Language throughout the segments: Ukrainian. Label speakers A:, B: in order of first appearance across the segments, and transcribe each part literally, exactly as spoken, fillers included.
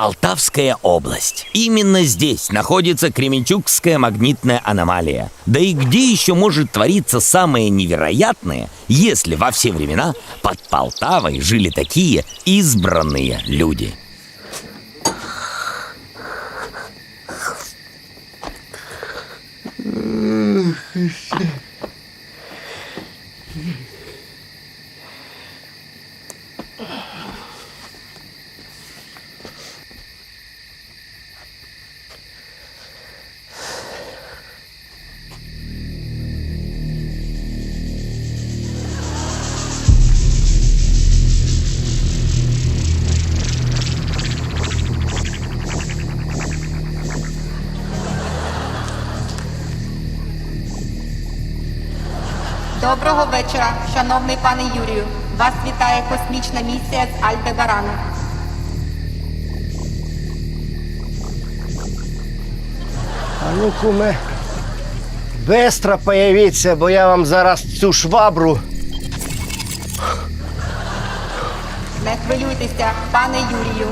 A: Полтавская область. Именно здесь находится Кременчугская магнитная аномалия. Да и где еще может твориться самое невероятное, если во все времена под Полтавой жили такие избранные люди?
B: Доброго вечора, шановний пане Юрію. Вас вітає космічна місія з Альдебарану.
C: А ну, куме, бистро появіться, бо я вам зараз цю швабру.
B: Не хвилюйтеся, пане Юрію.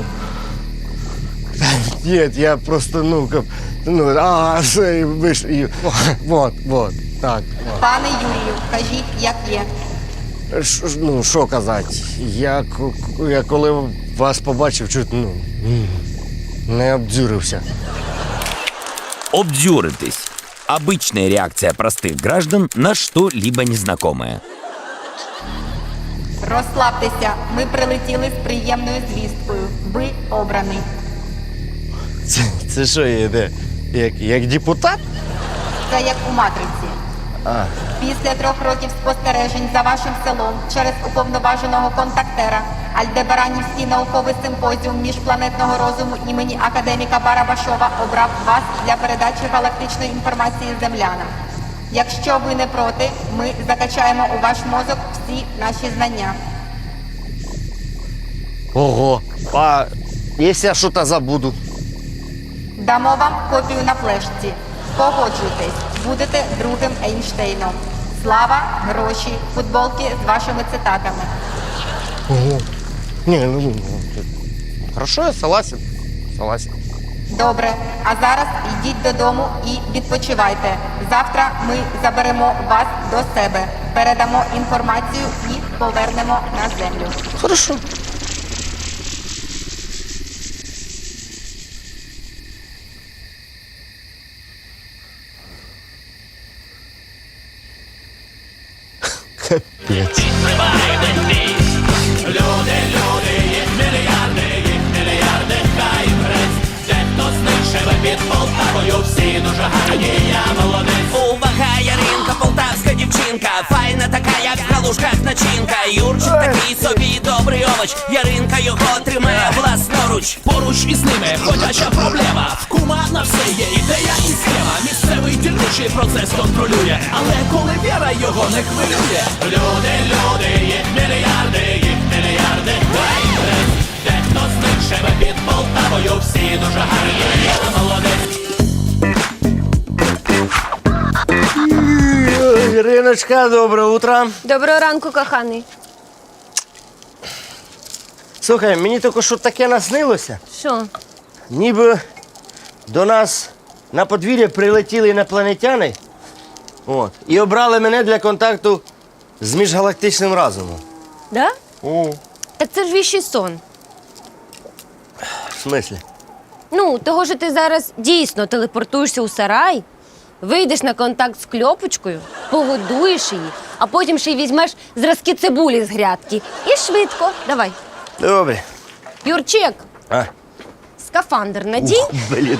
C: Нет, я просто, ну, как, ну, а, все, ви ж, і, вот, вот, так. Вот.
B: Пане Юрію, кажіть, як є.
C: Ш, ну, що казати, я, к- я коли вас побачив, чуть, ну, не обдзюрився.
A: Обдюритесь. Обычная реакция простых граждан на что-либо незнакомое.
B: Розслабтеся, ми прилетіли з приємною звісткою. Ви обраний.
C: Це, це що є, де? Як, як депутат?
B: Це як у «Матриці».
C: А.
B: Після трьох років спостережень за вашим селом через уповноваженого контактера Альдебаранівський науковий симпозіум міжпланетного розуму імені академіка Барабашова обрав вас для передачі галактичної інформації землянам. Якщо ви не проти, ми закачаємо у ваш мозок всі наші знання.
C: Ого. А якщо я щось забуду?
B: Дамо вам копію на флешці. Погоджуйтесь, будете другим Ейнштейном. Слава, гроші, футболки з вашими цитатами.
C: Ого. Не, ну, хорошо, я согласен. Согласен.
B: Добре, а зараз йдіть додому і відпочивайте. Завтра ми заберемо вас до себе, передамо інформацію і повернемо на землю.
C: Хорошо. Капець.
D: Увага, Яринка, полтавська дівчинка, файна така, як в галушках начинка. Юрчик такий собі добрий овоч, Яринка його тримає власноруч.
E: Поруч із ними ходяча проблема. В кума на все є ідея і схема. Місцевий дільничий процес контролює, але коли віра його не хвилює. Люди, люди, їх мільярди, їх мільярди. Дехто з них живе під Полтавою, всі дуже гарні, я молодець.
C: Іриночка, доброе утро.
F: Доброго ранку, коханий.
C: Слухай, мені тільки що таке наснилося.
F: Що?
C: Ніби до нас на подвір'я прилетіли інопланетяни, от, і обрали мене для контакту з міжгалактичним разумом.
F: Да?
C: О.
F: Так це ж віщий сон.
C: В смислі?
F: Ну, того, що ти зараз дійсно телепортуєшся у сарай, вийдеш на контакт з кльопочкою, погодуєш її, а потім ще й візьмеш зразки цибулі з грядки. І швидко. Давай.
C: Добре.
F: Юрчик,
C: А?
F: скафандр надій.
C: Ух, блін.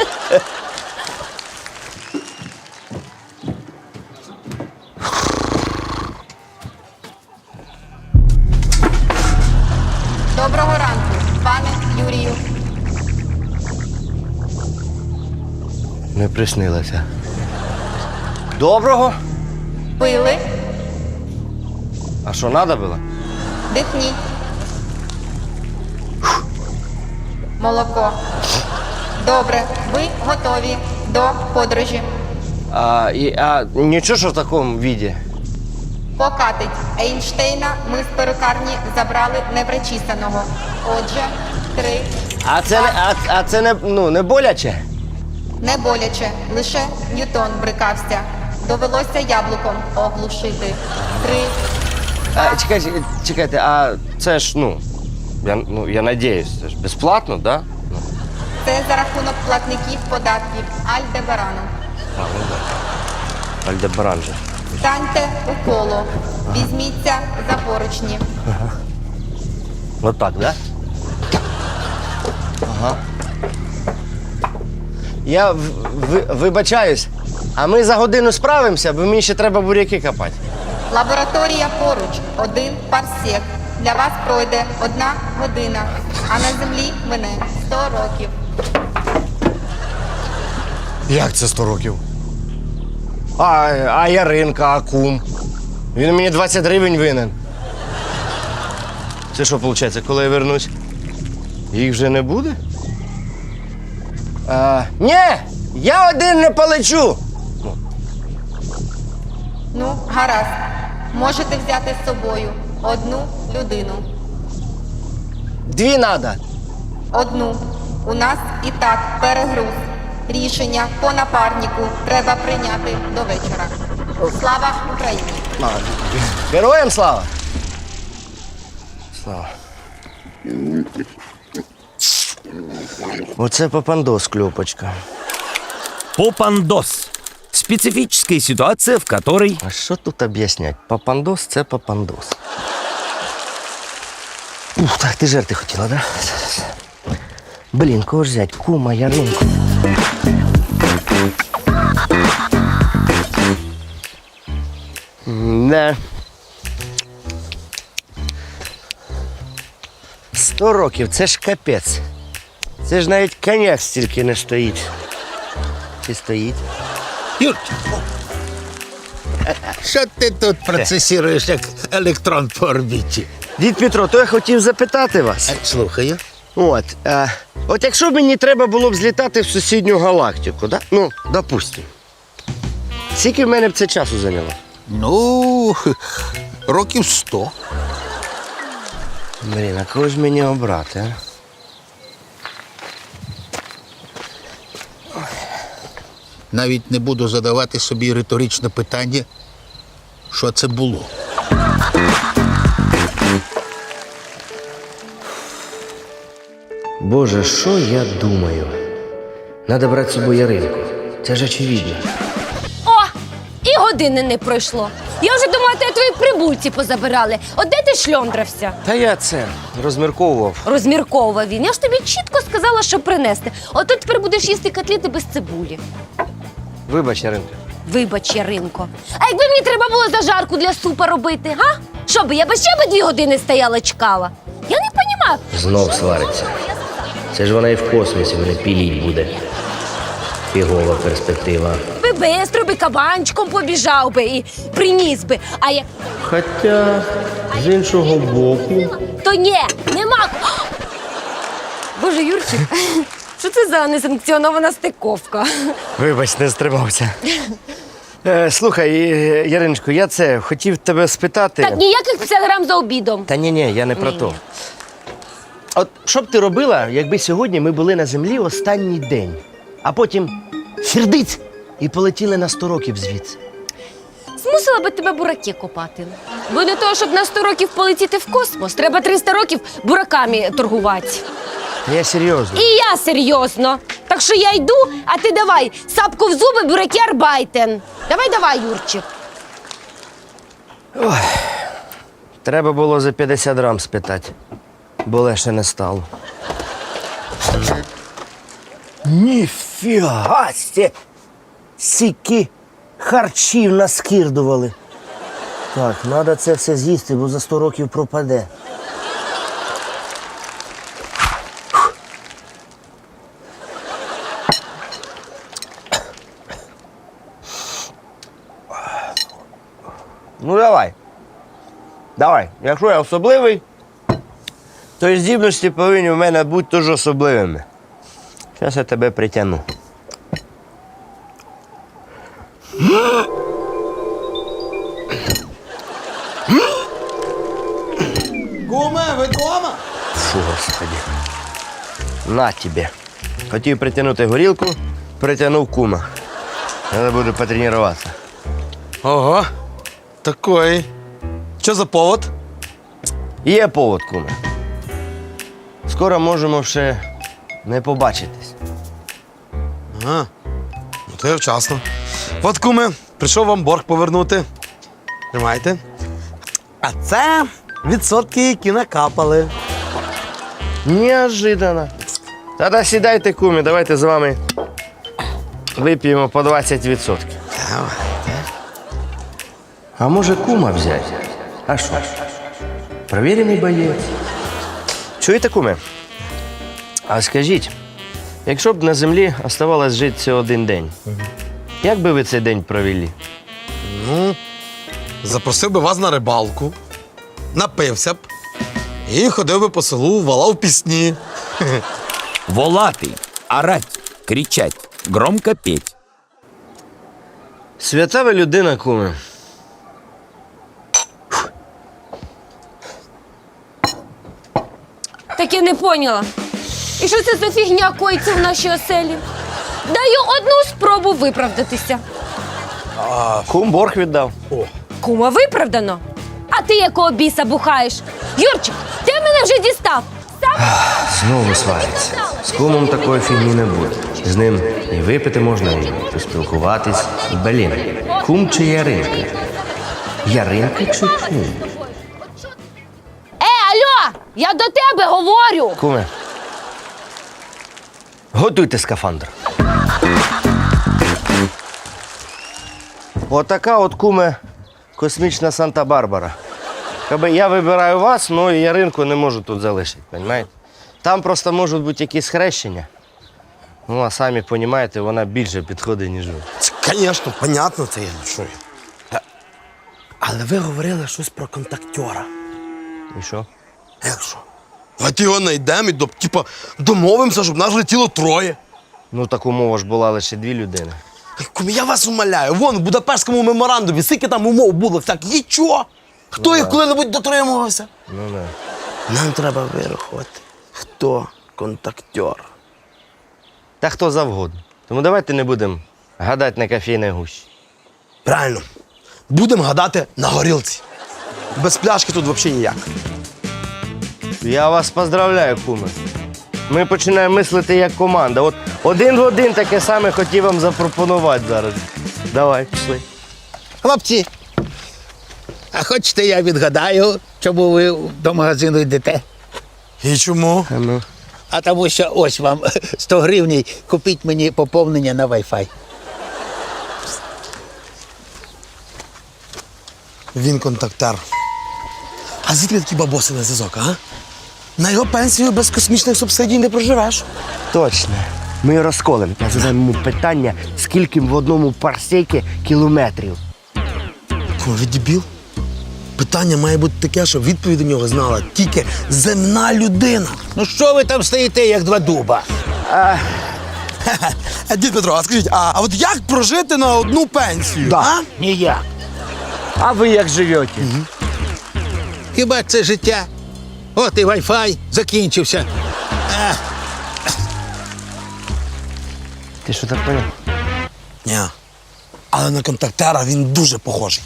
B: Доброго ранку, пане Юрію.
C: Не приснилося. Доброго?
B: Пили,
C: А що, треба було?
B: дихніть. Молоко. Добре, ви готові до подорожі.
C: А, і, а нічого, що в такому віді?
B: Покатить. Ейнштейна ми з перукарні забрали непричісаного. Отже, три,
C: А це не, а, а це не, ну, не боляче?
B: Не боляче, лише Ньютон брикався. Довелося яблуком оглушити. Три.
C: А, чекайте, чекайте, а це ж, ну, я, ну, я надіюсь, це ж безплатно, да? Ну,
B: Це за рахунок платників податків Альдебарану.
C: а, ну да. Альдебаран же.
B: Станьте у коло. Візьміться за поручні.
C: Вот так, да? Ага. Я в, ви- вибачаюсь, а ми за годину справимося, бо мені ще треба буряки копати.
B: Лабораторія поруч. Один парсек. Для вас пройде одна година, а на землі мине сто років.
C: Як це сто років? А, а Яринка, а кум? Він мені двадцять гривень винен. Це що виходить, коли я вернусь? Їх вже не буде? А, ні! Я один не полечу!
B: Ну, гаразд. Можете взяти з собою одну людину.
C: Дві надо.
B: Одну. У нас і так перегруз. Рішення по напарнику треба прийняти до вечора. Слава Україні!
C: Героям слава! Слава. Оце попандос, кльопочка.
A: Попандос. Специфическая ситуация, в которой...
C: А що тут об'яснять? Попандос – це попандос. Ух, так, ти жерти хотіла, да? Блін, кого ж взять? Кума, Яринку. Не. Сто років, це ж капець. Це ж навіть коньяк стільки не стоїть. Чи стоїть?
G: Юрчику, що ти тут процесіруєш як електрон по орбіті?
C: Дід Петро, то я хотів запитати вас.
G: Е, Слухаю.
C: От, е, от якщо б мені треба було б злітати в сусідню галактику, да? Ну, допустим. Скільки в мене б це часу зайняло?
G: Ну, років сто.
C: Блін, а кого ж мені обрати, а?
G: Навіть не буду задавати собі риторичне питання, що це було.
C: Боже, що я думаю? Надо брати з собою Яринку. Це ж очевидно.
F: О! І години не пройшло. Я вже думала, те твої прибульці позабирали. От де ти шльондрався?
C: Та я це розмірковував.
F: Розмірковував він. Я ж тобі чітко сказала, що принести. От ти тепер будеш їсти котлети без цибулі.
C: Вибач, Яринка.
F: Вибач, Яринко. А якби мені треба було зажарку для супа робити, га? Що би, я би ще би дві години стояла, чекала? Я не розумію.
H: Знов свариться. Це ж вона і в космосі мене піліть буде. Фігова перспектива.
F: Би бистро би кабанчиком побіжав би і приніс би. А я...
C: Хоча, з іншого боку.
F: То ні, нема. Боже, Юрчик, що це за несанкціонована стиковка?
C: Вибач, не стримався. Е, слухай, е, Яриночко, я це хотів тебе спитати.
F: Так, ніяких п'ятдесят грам за обідом.
C: Та ні, ні, я не про
F: Ні-ні.
C: то. От що б ти робила, якби сьогодні ми були на землі останній день, а потім фірдиць і полетіли на сто років звідси?
F: Змусила би тебе бураки копати. Бо для того, щоб на сто років полетіти в космос, треба триста років бураками торгувати.
C: Я серйозно.
F: І я серйозно. Так що я йду, а ти давай, сапку в зуби, бураки арбайтен. Давай, давай, Юрчик.
C: Треба було за п'ятдесят грам спитати, бо легше не стало. Ніфіга сте! Сіки харчів наскірдували. Так, треба це все з'їсти, бо за сто років пропаде. Ну давай. Давай. Якщо я особливий, то і здібності повинні в мене бути теж особливими. Зараз я тебе притягну.
E: Куме, ви дома?
C: Фу, господи. На тобі. Хотів притягнути горілку, притягнув кума. Треба буде потренуватися.
I: Ого, такий. Що за повод?
C: Є повод, куме. Скоро можемо ще не побачитись.
I: Ага, ну то я вчасно. От, куме, прийшов вам борг повернути. Тримайте. А це відсотки, які накапали.
C: Неожиданно. Тоді сідайте, куме, давайте з вами вип'ємо по двадцять відсотків. А може кума взяти? А що? Провірений боєць. Чуєте, куме? А скажіть, якщо б на землі оставалось жити всього один день, як би ви цей день провели?
I: Ну, запросив би вас на рибалку, напився б і ходив би по селу, валав пісні.
A: Волатый, орать, кричать, громко петь.
C: Свята ви людина, куме.
F: Так я не поняла. І що це за фігня коїться в нашій оселі? Даю одну спробу виправдатися.
C: Кум борг віддав.
F: Кума виправдано. А ти якого біса бухаєш? Юрчик, ти мене вже дістав. Сам
C: Знову свариться. З кумом такої фігні не буде. З ним і випити можна, і поспілкуватись. Блін, кум чи Яринка? Яринка чи кум?
F: Е, алло! Я до тебе говорю!
C: Куме, готуйте скафандр. Отака от, куме, космічна Санта-Барбара. Якби я вибираю вас, ну і Яринку не можу тут залишити, розумієте? Там просто можуть бути якісь хрещення. Ну, а самі розумієте, вона більше підходить, ніж ви.
I: Це, звісно, понятно, це я чую. Але ви говорили щось про контактера.
C: І що?
I: Як що? Давайте його знайдемо і до, типа, домовимося, щоб нас летіло троє.
C: Ну, так умова ж була лише дві людини.
I: Кумі, я вас умоляю, вон в Будапештському меморандумі, скільки там умов було, всяк, нічого. Хто їх коли-небудь дотримувався?
C: Ну, не.
I: Нам треба вирахувати, хто контактер.
C: Та хто завгодно. Тому давайте не будемо гадати на кофейній гущі.
I: Правильно. Будемо гадати на горілці. Без пляшки тут взагалі ніяк.
C: Я вас поздравляю, куме. Ми починаємо мислити як команда. От один в один таке саме хотів вам запропонувати зараз. Давай, пішли.
G: Хлопці, а хочете я відгадаю, чому ви до магазину йдете?
I: І чому?
C: А ну.
G: А тому що ось вам сто гривень, купіть мені поповнення на Wi-Fi.
I: Він контактер. А звідки такі бабоси на зв'язок, а? На його пенсію без космічних субсидій не проживеш.
C: Точно. Ми розколемо. Я задам йому питання, скільки в одному парсекі кілометрів.
I: Кому ви дебіл? Питання має бути таке, щоб відповідь до нього знала тільки земна людина.
G: Ну що ви там стоїте, як два дуба?
I: А, дід Петро, а скажіть, а, а от як прожити на одну пенсію? А?
G: Ніяк.
C: А ви як живете?
G: Хіба це життя? От і Wi-Fi закінчився.
C: Ти що так поняв?
I: Ні. Але на контактера він дуже похожий.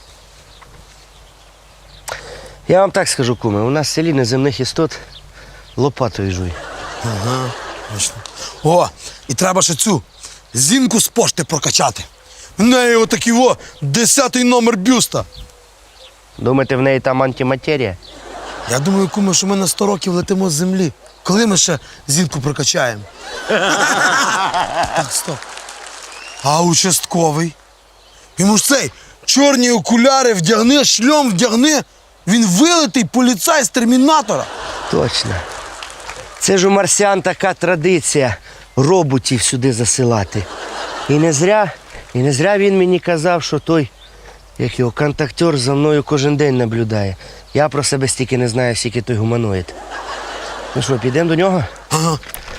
C: Я вам так скажу, куме, у нас в селі неземних істот лопатою жуй.
I: Ага, точно. О, і треба ще цю зінку з пошти прокачати. В неї отакий о, десятий номер бюста.
C: Думаєте, в неї там антиматерія?
I: Я думаю, куме, що ми на сто років летимо з землі. Коли ми ще зінку прокачаємо? Так, стоп. А участковий? Йому ж цей чорні окуляри вдягни, шльом вдягни. Він вилитий поліцай з термінатора.
C: Точно. Це ж у марсіан така традиція роботів сюди засилати. І не зря, і не зря він мені казав, що той, як його контактер, за мною кожен день наблюдає. Я про себе стільки не знаю, скільки той гуманоїд. Ну що, підемо до нього?
I: Ага.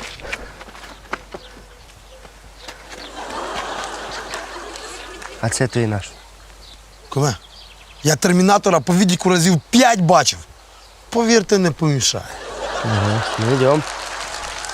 C: А це той наш.
I: Куме, я термінатора по відіку разів п'ять бачив. Повірте, не помішає.
C: Ага, ну йдемо.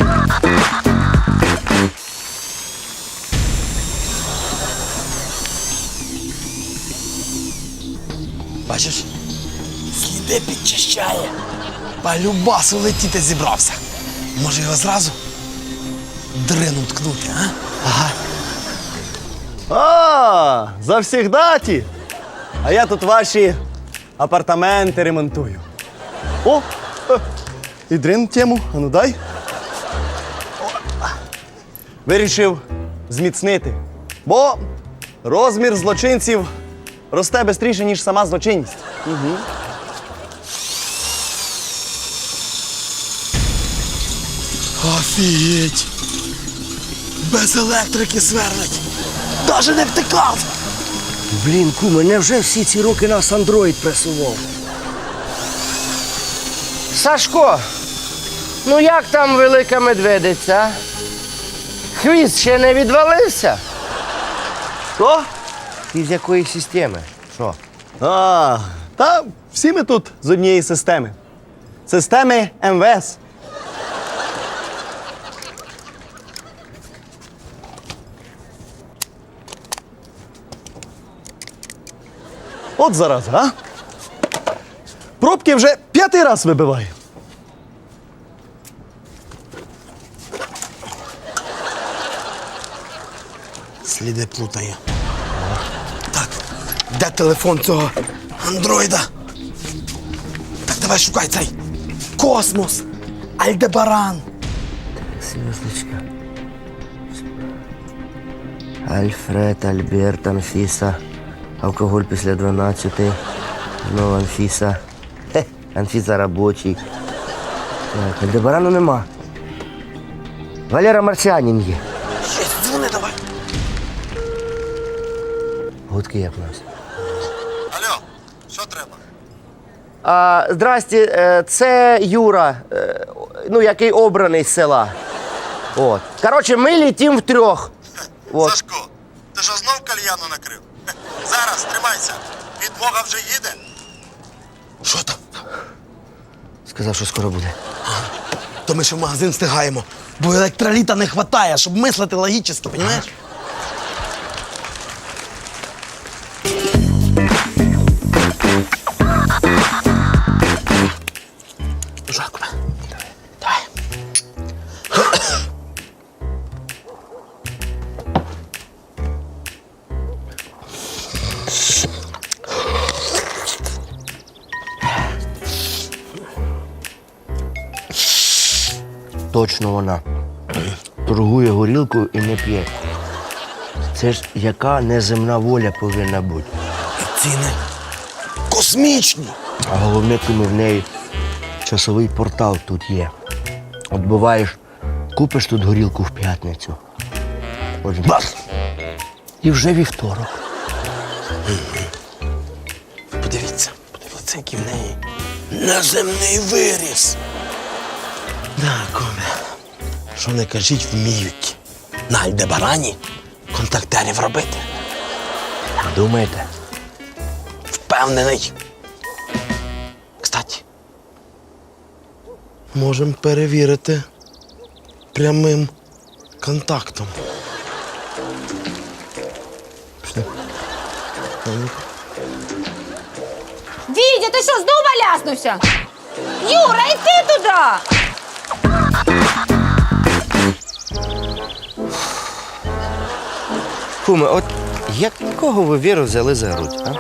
I: Бачиш, сліди підчищає. Полюбасу летіти зібрався. Може його зразу дрину ткнути, а? Ага.
J: А, завсігдаті. А я тут ваші апартаменти ремонтую. О, е, і дрин тему, а ну дай. О, вирішив зміцнити, бо розмір злочинців росте швидше, ніж сама злочинність. Угу.
I: Офігеть! Без електрики сверлить. Даже не втикав.
C: Блін, куме, невже всі ці роки нас андроїд пресував? Сашко, ну як там велика медведиця? Хвіст ще не відвалився?
J: Що?
C: Ти з якої системи? Що?
J: А, та всі ми тут з однієї системи. Системи ем ве ес. От зараз, а? Пробки вже п'ятий раз вибиваю.
I: Сліди плутає. Так, де телефон цього андроїда? Так, давай шукай цей. Космос. Альдебаран.
C: Звездочка. Альфред, Альберт, Анфіса. Алкоголь після дванадцяти. Знову Анфіса. Хе, Анфіса робочий. Так, Альдебарану нема. Валера Марсіанін є.
I: Щось, дзвони давай.
C: Гудки як у нас.
I: Алло, що треба?
C: А, здрасте, е, це Юра, е, ну, який обраний з села. От. Коротше, ми літім втрьох. От.
K: Сашко, ти що знов кальяну накрив? Зараз, тримайся. Підмога вже їде.
I: Що там?
C: Сказав, що скоро буде.
I: То ми ще в магазин встигаємо, бо електроліта не вистачає, щоб мислити логічно, розумієш? Жаку, давай.
C: Точно вона. Торгує горілкою і не п'є. Це ж яка неземна воля повинна бути.
I: Ціни космічні.
C: А головне, кому в неї часовий портал тут є. От буваєш, купиш тут горілку в п'ятницю. От бас! І вже вівторок.
I: Подивіться, подивіться, який в неї неземний виріс. Да, куме. Що не кажіть, вміють на Альдебарані контактерів робити.
C: Думаєте?
I: Впевнений. Кстати, можемо перевірити прямим контактом.
F: Вітя, ти що, знову ляснувся? Юра, йди туди!
C: Куме, от якого ви Віру взяли за грудь, а?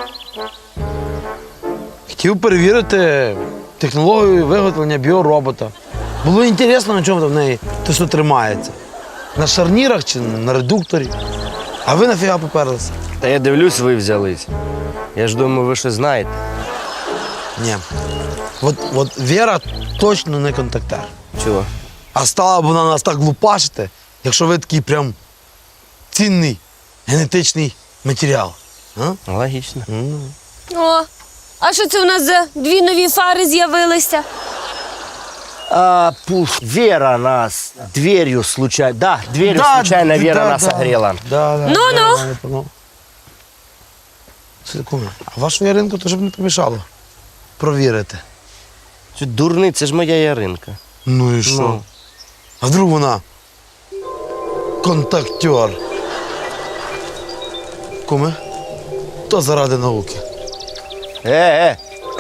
L: Хотів перевірити технологію виготовлення біоробота. Було інтересно, на чому там в неї те, що тримається. На шарнірах чи на редукторі. А ви нафіга поперлися?
C: Та я дивлюсь, ви взялись. Я ж думаю, ви щось знаєте.
L: Ні. От, от Віра точно не контактер.
C: Чого?
L: А стала б вона нас так лупашити, якщо ви такий прям цінний генетичний матеріал. А?
C: Логічно.
F: О, а що це у нас за дві нові фари з'явилися?
C: А, пуф, Вера нас дверью случайно... Да, дверью случайно Вера
L: да,
C: нас
L: да.
C: огрела.
L: Да, да,
F: Ну-ну.
L: да, да, да. Секунду. А вашу Яринку то щоб не помішало провірити.
C: Це дурний, це ж моя Яринка.
L: Ну і що?
C: Ну.
L: А вдруг вона контактер. Куме, то заради науки.
C: Е, е.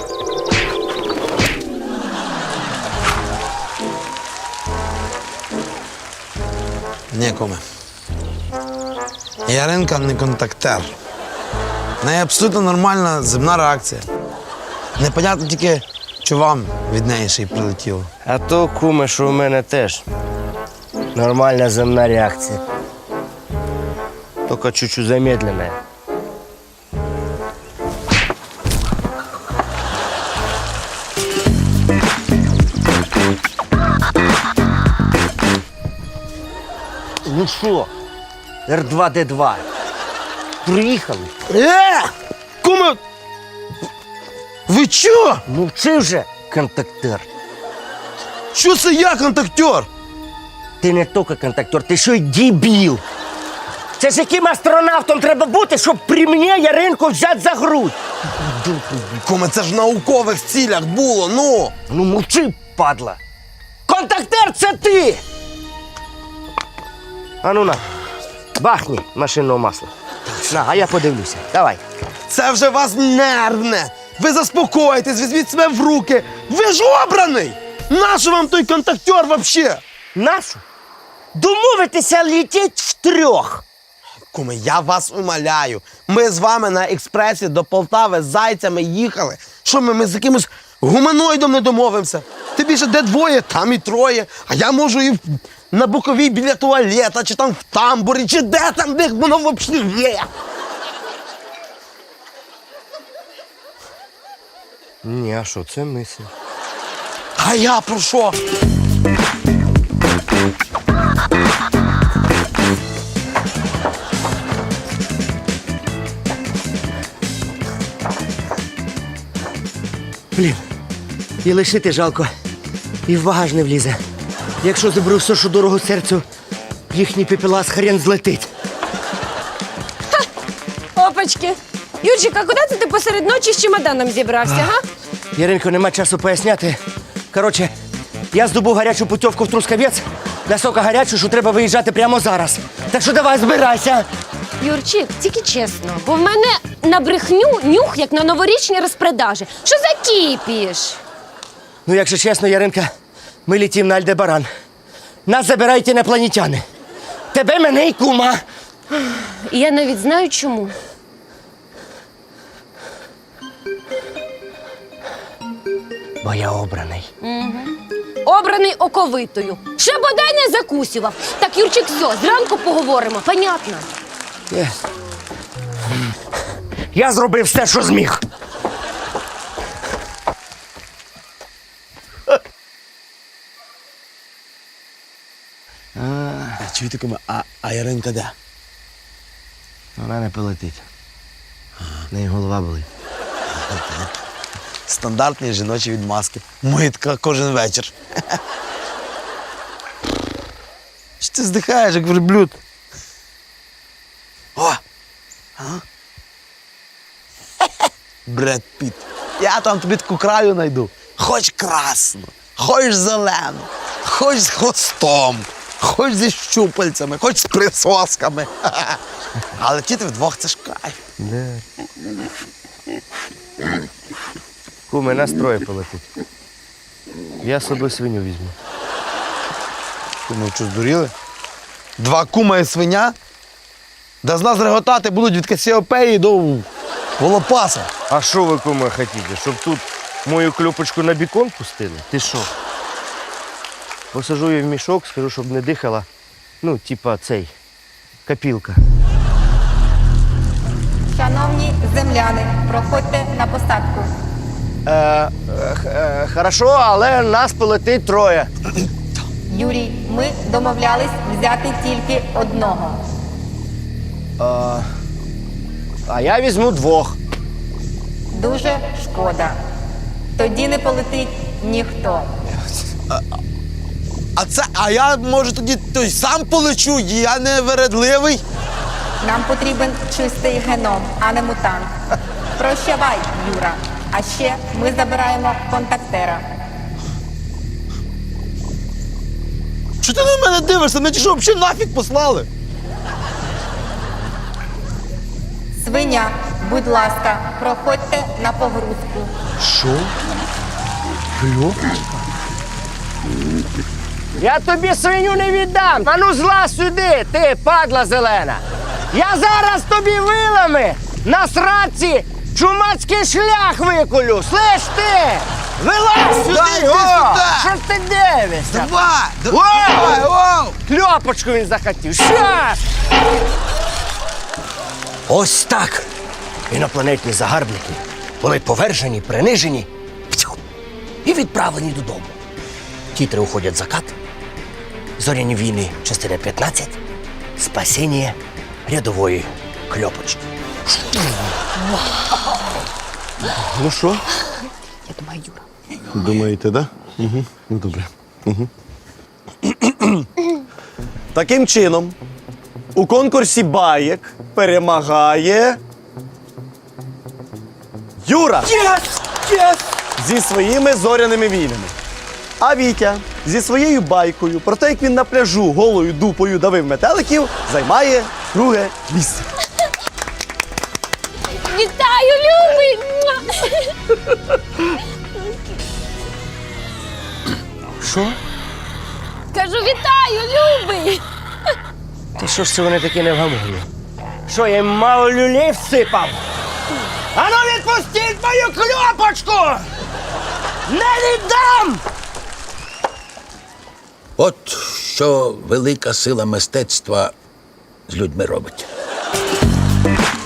L: Ні, куме. Яринка не контактер. В неї абсолютно нормальна земна реакція. Непонятно тільки, що вам від неї ще й прилетіло.
C: А то, куме, що у мене теж нормальна земна реакція. Тільки чуть-чуть замедлена. Ну що, Р два Д два, приїхали?
L: Е! Куме! Ви чо?
C: Мовчи вже, контактер.
L: Що це я контактер?
C: Ти не тільки контактер, ти ще й дебіл. Це ж яким астронавтом треба бути, щоб при мені Яринку взяти за грудь?
L: Куме, це ж в наукових цілях було, ну!
C: Ну мовчи, падла. Контактер це ти! А ну на, бахні машинного масла. На, а я подивлюся. Давай.
L: Це вже вас нервне! Ви заспокойтесь, візьміть себе в руки! Ви ж обраний! Нащо вам той контактер вообще?
C: Нашу? Домовитися летіть втрьох.
L: Куме, я вас умоляю. Ми з вами на експресі до Полтави з зайцями їхали. Що ми, ми з якимось гуманоїдом не домовимося? Ти більше де двоє, там і троє. А я можу і в- на боковій біля туалета, чи там в тамбурі, чи де там, де воно взагалі є.
C: Ні, а що, це мисль.
L: А я про що?
C: Блін, і лишити жалко, і в багаж не влізе. Якщо заберу все, що дорого серцю, їхній пепелас хрен злетить.
F: Опачки. Юрчик, а куди це ти посеред ночі з чемоданом зібрався, га?
C: Яринко, нема часу поясняти. Коротше, я здобув гарячу путівку в Трускавець, настільки гарячу, що треба виїжджати прямо зараз. Так що давай, збирайся.
F: Юрчик, тільки чесно, бо в мене на брехню нюх, як на новорічні розпродажі. Що за кіпіш?
C: Ну, якщо чесно, Яринка, ми літім на Альдебаран. Нас забирають інопланетяни. Тебе, мене і кума.
F: І я навіть знаю чому.
C: Бо я обраний.
F: Обраний оковитою. Ще бодай не закусював. Так, Юрчик, все, зранку поговоримо, понятно?
C: Е. Я зробив все, що зміг.
L: Чуєте, куме, а, а Яринка де?
C: Вона не полетить. В неї голова болить.
L: Стандартні жіночі відмазки. Митка кожен вечір. Що ти здихаєш, як верблюд? О! А? Бред Піт. Я там тобі таку краю знайду. Хоч красну, хоч зелену, хоч з хвостом, хоч зі щупальцями, хоч з присосками. Але летіти вдвох це ж кайф.
C: Де? Куме, нас троє полетить. Я з собою свиню візьму.
L: Куми, що, здуріли? Два кума і свиня? Да з нас реготати будуть від Касіопеї до Волопаса.
C: А що ви, куме, хочете? Щоб тут мою кльопочку на бікон пустили? Ти що? Посажу її в мішок, скажу, щоб не дихала. Ну, типа цей, копілка.
B: Шановні земляни, проходьте на посадку.
C: Е, е, е, хорошо, але нас полетить троє.
B: Юрій, ми домовлялись взяти тільки одного.
C: А я візьму двох.
B: Дуже шкода. Тоді не полетить ніхто.
L: А це, а я, може, тоді той сам полечу, я не вередливий.
B: Нам потрібен чистий геном, а не мутант. Прощавай, Юра. А ще ми забираємо контактера.
J: Чого ти на мене дивишся? Мене що, взагалі нафіг послали?
B: Свиня, будь ласка, проходьте на погрузку.
C: Що? Кльопочка? Я тобі свиню не віддам. А ну злазь сюди, ти, падла зелена. Я зараз тобі вилами на сраці чумацький шлях виколю. Слиш ти? Вилазь сюди!
J: Дай, йди
C: о!
J: сюди!
C: Що ж ти дивишся?
J: Давай!
C: Давай,
J: оу!
C: Кльопочку він захотів. Щас! Ось так. Інопланетні загарбники були повержені, принижені пцю, і відправлені додому. Тітри уходять в закат. Зоряні війни, частина п'ятнадцять. Спасіння рядової кльопочки.
J: Ну що?
B: Я думаю, Юра.
J: Думаєте, да? Угу. Ну, добре. Угу. Таким чином, у конкурсі баєк перемагає Юра! Yes! Yes! Зі своїми зоряними війнами. А Вітя зі своєю байкою про те, як він на пляжу голою дупою давив метеликів, займає друге місце.
F: Вітаю, любий!
C: Що?
F: Кажу, вітаю, любий!
C: Та що ж це вони такі невгамовні? Що, я їм мало люлей всипав? Ану відпустіть мою кльопочку! Не віддам!
G: От що велика сила мистецтва з людьми робить.